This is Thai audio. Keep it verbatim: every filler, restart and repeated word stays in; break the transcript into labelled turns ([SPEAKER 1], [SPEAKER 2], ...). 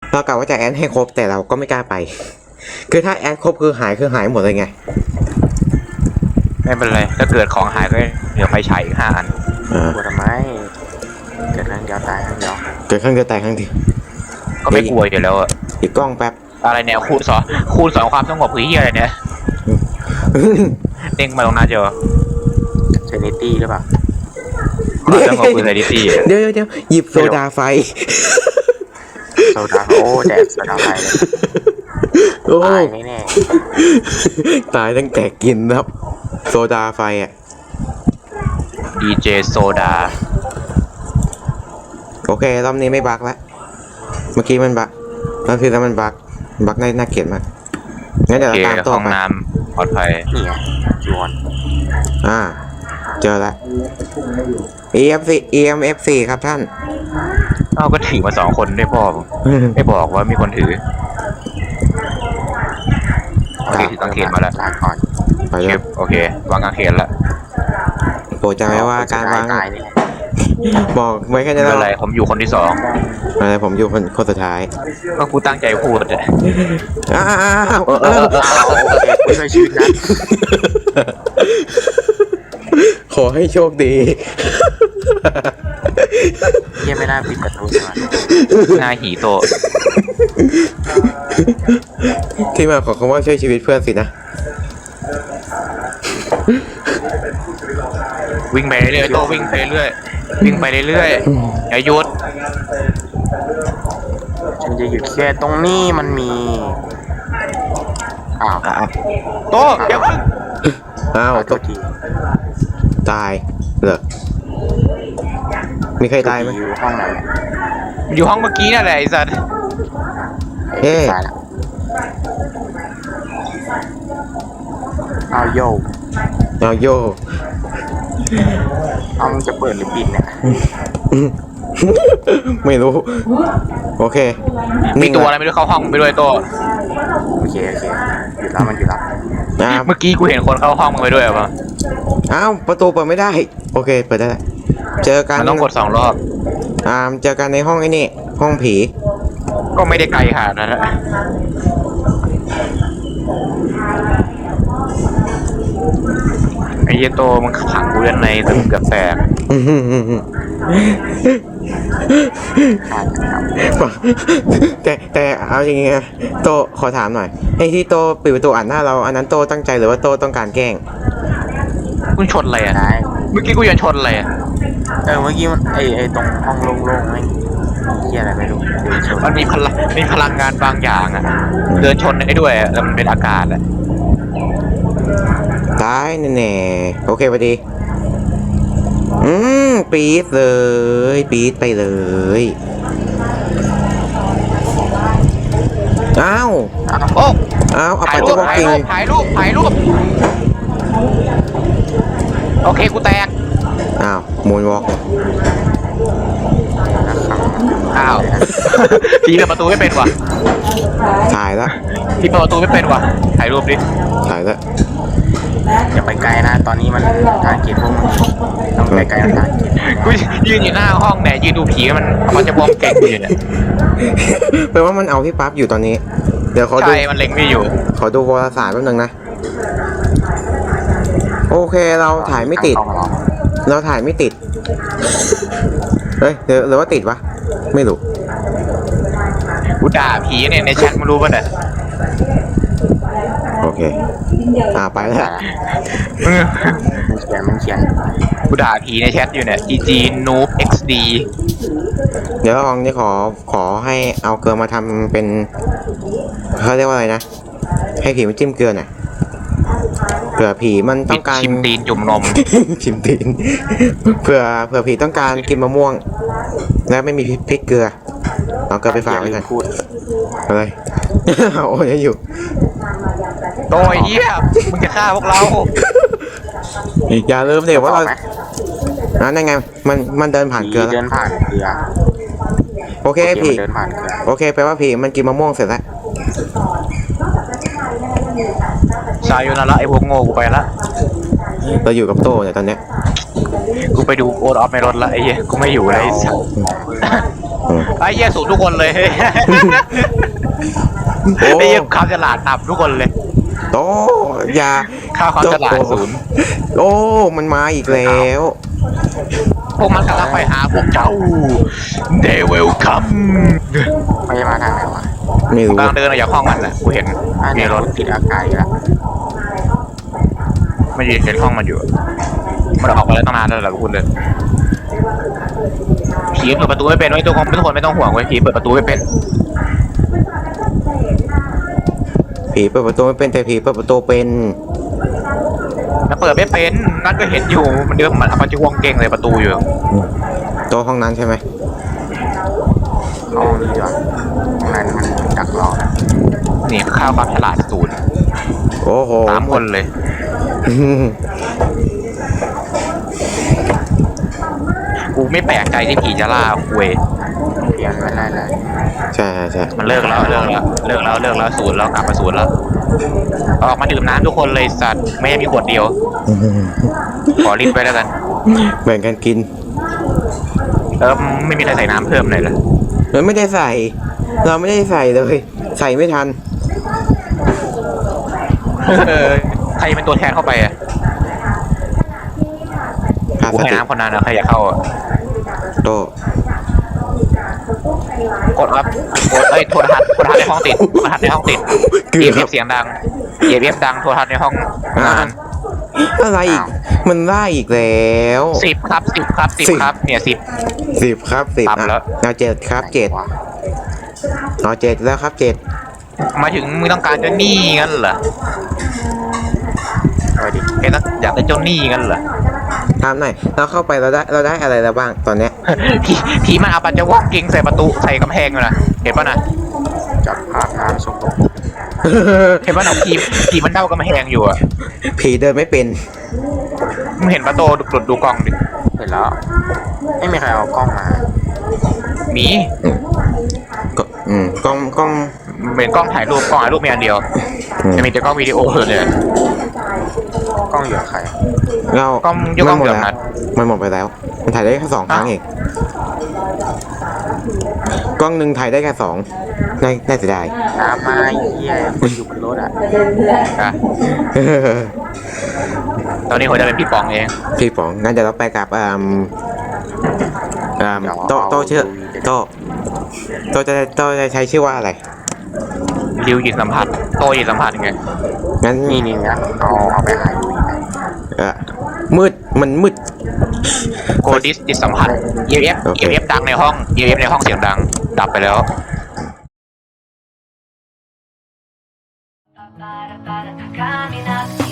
[SPEAKER 1] เรากะว่าจะแอดให้ครบแต่เราก็ไม่กล้าไปคือถ้าแอดครบคือหายคือหายหมดเลยไง
[SPEAKER 2] ไม่เป็นไรถ้าเกิดของหายก็เดี๋ยวไฟฉายอีกห้าอัน
[SPEAKER 3] กลัวทำไมเกิดครั้งเดียวตายครั้งเดียว
[SPEAKER 1] เกิดครั้งเดียวตายครั้งเดียว
[SPEAKER 2] ก็ไม่กลัวอยู่แล้วอะ
[SPEAKER 1] อีกกล้องแป๊บ
[SPEAKER 2] อะไรเนี่ยคูณสองคูณสองความสงบคือเฮียอะไรเนี่ยเด้งมาตรงหน้าจอ
[SPEAKER 3] เซนิตี้หรือเปล่า
[SPEAKER 2] ความสงบคือเซนิตี้
[SPEAKER 1] เดี๋ยวเดี๋ยวหยิบโซดาไฟ
[SPEAKER 3] โซดาโอ้แดกโซดาไฟตายแน่
[SPEAKER 1] ตายตั้งแต่กินครับโซดาไฟอ่ะ
[SPEAKER 2] ดีเจโซดา
[SPEAKER 1] โอเครอบนี้ไม่บักแล้วเมื่อกี้มันบักรอบที่แล้วมันบักบักในน่าเกลียดมากงั้นเดี๋ยวเราตามตัวไป
[SPEAKER 2] ห้องน้ำปลอดภัย
[SPEAKER 3] นี่ไงจวน
[SPEAKER 1] อ่าเจอละ อี เอฟ ซี อี เอ็ม เอฟ สี่ ครับท่าน
[SPEAKER 2] อ้าวก็ถือมาสองคนด้วยพ่อไม่บอกว่ามีคนถือโอเคถือกางเขนมาแล้ว
[SPEAKER 3] ลาก่อน
[SPEAKER 2] ไปเลยโอเควางกางเขนละ
[SPEAKER 1] โปรดจำไว้ว่าการวางบอกไว้แค่นี้แล้ว
[SPEAKER 2] อะไรผมอยู่คนที่สอง
[SPEAKER 1] อะไรผมอยู่คนคนสุดท้าย
[SPEAKER 2] ก็กูตั้งใจพูดเลย
[SPEAKER 1] อ้าว
[SPEAKER 3] ไม่ใช่ชีวิตนะ
[SPEAKER 1] ขอให้โชคดี
[SPEAKER 3] ยังไม่น่าปิดประตูใช่ไหม
[SPEAKER 2] หน้าหีโต
[SPEAKER 1] ที่มาของคำว่าช่วยชีวิตเพื่อนสินะ
[SPEAKER 2] วิ่งไปเรื่อยโตวิ่งไปเรื่อยวิ่งไปเรื่อยอย่าหยุด
[SPEAKER 3] ฉันจะหยุดแค่ตรงนี้มันมีอ้าว
[SPEAKER 2] โตเดี๋ยว
[SPEAKER 1] อ้าวโตตายเหรอมีใครตายไหม
[SPEAKER 3] อยู่ห้องไหน
[SPEAKER 2] อยู่ห้องเมื่อกี้นั่นแหละไอ้สัส
[SPEAKER 1] เฮ้
[SPEAKER 3] เอาโย
[SPEAKER 1] เอาโย
[SPEAKER 3] เอามึงจะเปิดหรือปิดเนี่ย
[SPEAKER 1] ไม่รู้โอเค
[SPEAKER 2] มีตัวอะไรไม่รู้เข้าห้องไปด้วยโต
[SPEAKER 3] โอเคโอเคหยุดแล้วมันหยุดแล้ว
[SPEAKER 2] เมื่อกี้กูเห็นคนเข้าห้องมึงไปด้วยป่ะ
[SPEAKER 1] อ้าวประตูเปิดไม่ได้โอเคเปิดได้เจอกัน
[SPEAKER 2] ต้องกดสองรอบ
[SPEAKER 1] อ่าเจอกันในห้องไอ้นี่ห้องผี
[SPEAKER 2] ก็ไม่ได้ไกลขนาดนั้นไอ้เหี้ยโตมันขังกูด้านในจนเกือบแตก
[SPEAKER 1] แต่แต่เอาอย่างงี้นะโตขอถามหน่อยไอ้ที่โตปิดประตูอัดหน้าเราอันนั้นโตตั้งใจหรือว่าโตต้องการแกล้ง
[SPEAKER 2] มึงชนอะไรอ่ะเมื่อกี้กูยังชนอะไรอ่ะ
[SPEAKER 3] เออเมื่อกี้มันไอไอตรงห้องโล่งๆไม่เหี้ยอะไรไม่รู้
[SPEAKER 2] มันมีพลังมีพลังงานบางอย่างอ่ะเดินชนได้ด้วยแล้วมันเป็นอากาศอ่ะ
[SPEAKER 1] ตายแน่ๆโอเคพอดีอืมปี๊ดเลยปี๊ดไปเลยอ้าว
[SPEAKER 2] โอ้
[SPEAKER 1] อ้าวเอาไป
[SPEAKER 2] จะบอกจริงถ่ายรูปถ่ายรูปโอเคกูแตก
[SPEAKER 1] อ้าวมูนวอล์ก
[SPEAKER 2] อ้าวพี่เปิดประตูไม่เป็นวะ
[SPEAKER 1] ถ่ายแล้ว
[SPEAKER 2] พี่เปิดประตูไม่เป็นวะถ่ายรูปดิ
[SPEAKER 1] ถ่ายแล้ว
[SPEAKER 3] อย่าไปไกลนะตอนนี้มันทางเก็บพวกมึงต้องไปไกลทางเก็บ
[SPEAKER 2] กูยืนอยู่หน้าห้องเนี่ยยืนดูผีมันมันจะบอมเก่งอยู่เนี่ย
[SPEAKER 1] แปลว่ามันเอาพี่ปั๊บอยู่ตอนนี้เดี๋ยวเขาดู
[SPEAKER 2] ใช่มันเล็งไม่อยู่
[SPEAKER 1] ขอดูวารสารแป๊บนึงนะโอเคเราถ่ายไม่ติดเราถ่ายไม่ติดเฮ้ยหรือหรือว่าติดวะไม่รู้
[SPEAKER 2] กูด่าผีเนี่ยในแชทมันรู้ป่ะเนี่ย
[SPEAKER 1] โอเคอ่าไปแล้ว
[SPEAKER 3] มันเขียนมันเขียน
[SPEAKER 2] กูด่าผีในแชทอยู่เนี่ย จี จี Noob เอ็กซ์ ดี
[SPEAKER 1] เดี๋ยวลองนี่ขอขอให้เอาเกลือมาทำเป็นเขาเรียกว่าอะไรนะให้ผีมันจิ้มเกลือหน่อยเผื่อผีมันต้องการ
[SPEAKER 2] ชิมตีนจุ่มนม
[SPEAKER 1] ชิมตีนเผื่อเผื่อผีต้องการกินมะม่วงแล้วไม่มีพริกเกลือเอาเกลือไปฝากไว้ก่อนอะไรโอ้ยอยู่
[SPEAKER 2] โตไอ้เหี้ยมึงจะฆ่าพวกเรา
[SPEAKER 1] อย่าลืมเดี๋ยวว่าเรานั่นไงมันมันเดินผ่านเกลือ
[SPEAKER 3] เดินผ่านเกลือ
[SPEAKER 1] โอเคผีโอเคแปลว่าผีมันกินมะม่วงเสร็จแล้ว
[SPEAKER 2] ชายอยู่นั่นละไอ้พวกโง่กูไปละ
[SPEAKER 1] เราอยู่กับโตเนี่ยตอนเนี้ย
[SPEAKER 2] กูไปดูโอ๊ตออฟในรถละไอ้เหี้ยกูไม่อยู่เลย
[SPEAKER 1] อืม
[SPEAKER 2] ไอ้เหี้ยสูงทุกคนเลย
[SPEAKER 1] โอ้
[SPEAKER 2] ไอ้เหี้ยความฉลาดต่ำทุกคนเลย
[SPEAKER 1] โอ้อยา
[SPEAKER 2] ค่าความฉลาดศูนย์
[SPEAKER 1] โอ้มันมาอีกแล้ว
[SPEAKER 2] พวกมันกำลังไปหาพวกเจ้า They will come
[SPEAKER 3] ไม่มาทางไหนวะ
[SPEAKER 1] ไม่รู้
[SPEAKER 2] กำลังเดินออกจากห้องมันน่ะกูเห็น
[SPEAKER 3] อัน
[SPEAKER 2] มี
[SPEAKER 3] นี้
[SPEAKER 2] ร
[SPEAKER 3] ร
[SPEAKER 2] ถ
[SPEAKER 3] ถติดอากาศอีกแล้ว
[SPEAKER 2] ไม่ยืนเห็นห้องมันอยู่ มันออกมาแล้วตั้งนานแล้วเหรอคุณเลยผีเปิดประตูไม่เป็นไว้ยทุกคนทุกคนไม่ต้องห่วงไว้ยผีเปิดประตูไม่เป็น
[SPEAKER 1] ผีเปิดประตูไม่เป็นแต่ผีเปิดประตูเป็น
[SPEAKER 2] มันเปิดไม่เป็นนั่นก็เห็นอยู่มันเดินมันเอาปัจจุบันเก่งเลยประตูอยู่
[SPEAKER 1] โต๊ะห้องนั้นใช่ไหม
[SPEAKER 3] ห้องนี้ดีกว่าห้องนั้นมันดักรอนะ
[SPEAKER 2] นี่ค่าความฉลาดศูนย์
[SPEAKER 1] โอ้โห
[SPEAKER 2] สามคนเลย
[SPEAKER 1] อืม
[SPEAKER 2] กูไม่แปลกใจที่ผีจะล่าคุย
[SPEAKER 3] เปลี่ยนไม่ได้เลย
[SPEAKER 1] ใช่ใช่ใช่
[SPEAKER 2] มันเลิกแล้วเลิกแล้วเลิกแล้วเลิกแล้วศูนย์แล้วกลับมาศูนย์แล้วออกมาดื่มน้ำทุกคนเลยสัตว์ไม่ให้มีขวดเดียว
[SPEAKER 1] อืม
[SPEAKER 2] ขอรีบไปแล้วกัน
[SPEAKER 1] แบ่งกันกิน
[SPEAKER 2] เออไม่มีใครใส่น้ำเพิ่มเลยเหรอ
[SPEAKER 1] เราไม่ได้ใส่ เราไม่ได้ใส่เลย ใส่ไม่ทัน
[SPEAKER 2] เออใครเป็นตัวแทนเข้าไปอ่ะ
[SPEAKER 1] ขาด
[SPEAKER 2] กู
[SPEAKER 1] ส
[SPEAKER 2] ให้
[SPEAKER 1] ติ
[SPEAKER 2] น้ำคนนั้นนะใครอยากเข้าอะ
[SPEAKER 1] โตะ
[SPEAKER 2] กดครับกดเอ้ยโทรทัศน์โทรทัศน์ในห้องติดโทรทัศน์ในห้องติด
[SPEAKER 1] เกื
[SPEAKER 2] เอ
[SPEAKER 1] อ
[SPEAKER 2] ฟเอบ ฟเสียงดังเอฟเอฟดังโทรทัศน์ในห้องงาน
[SPEAKER 1] อะไรอีก มันไล่อีกแล้ว
[SPEAKER 2] สิบครับสิบครับสิบ
[SPEAKER 1] สิบ
[SPEAKER 2] ครับเนี่ยสิบ
[SPEAKER 1] สิบครับสิบ
[SPEAKER 2] ต่ำแล้ว
[SPEAKER 1] เอาเจ็ดครับเจ็ด
[SPEAKER 3] วะ
[SPEAKER 1] เอาเจ็ดแล้วครับเจ็ด
[SPEAKER 2] มาถึงมึงต้องการเจ้าหนี้งั้นเหรอ
[SPEAKER 3] เอาดิ
[SPEAKER 2] แกต้องอยากได้เจ้าหนี้งั้นเหรอ
[SPEAKER 1] ถามหน่อยเราเข้าไปเราได้เราได้อะไรแล้วบ้างตอนเนี้ย
[SPEAKER 2] ผีผีมันเอาปัจจุบันกิงใส่ประตูใส่กำแพงอยู่นะเห็นป่ะนะ
[SPEAKER 3] จับภาพน้ำสกปรก
[SPEAKER 2] เห็นป่ะนะผีผีมันเด้ากำแพงอยู่อ่ะ
[SPEAKER 1] ผีเดินไม่เป็น
[SPEAKER 2] มึงเห็นประตูดูดูกล้องดิ
[SPEAKER 3] เห็นแล้ว ไม่มีใครเอากล้องมา
[SPEAKER 2] มี
[SPEAKER 1] ก็อืมกล้องกล้อง
[SPEAKER 2] เหมือนกล้องถ่ายรูปกล้องถ่ายรูปมีอันเดียว
[SPEAKER 1] อืม
[SPEAKER 2] จะมีแต่กล้องวิดีโอเลย
[SPEAKER 3] กล้องอยู่กับใคร
[SPEAKER 1] เรา
[SPEAKER 2] กล้องยกกล้อง
[SPEAKER 1] มันหมด
[SPEAKER 2] เดี๋ยว
[SPEAKER 1] แล้ว
[SPEAKER 2] นัด
[SPEAKER 1] มันหมดไปแล้ว มันถ่ายได้แค่สองครั้งเองกล้องหนึ่งถ่ายได้แค่สองน่าน่าเสียดาย
[SPEAKER 3] ตามมาไอ้เหี้ยมันอยู่บนรถอ่ะ
[SPEAKER 2] อ่ะตอนนี้ผมจะเป็นพี่ปองเอง
[SPEAKER 1] พี่ป๋องงั้นเดี๋ยวเราไปกับอ่าอ่าโตะโตะชื่อโตะโตะจะโตะจะใช้ชื่อว่าอะไร
[SPEAKER 2] ริวจิตสัมผัสโตจิตสัมผัสไง
[SPEAKER 1] งั้น
[SPEAKER 3] นี่นี่นะเอาเอาไปหาดูอีกไหม
[SPEAKER 1] เอ่อมืดมันมืด
[SPEAKER 2] โกดิสจิตสัมผัสเอฟเอฟ
[SPEAKER 1] โอเค
[SPEAKER 2] เอฟเอฟดังในห้องเอฟเอฟในห้องเสียงดังดับไปแล้ว
[SPEAKER 4] Para, para, camina.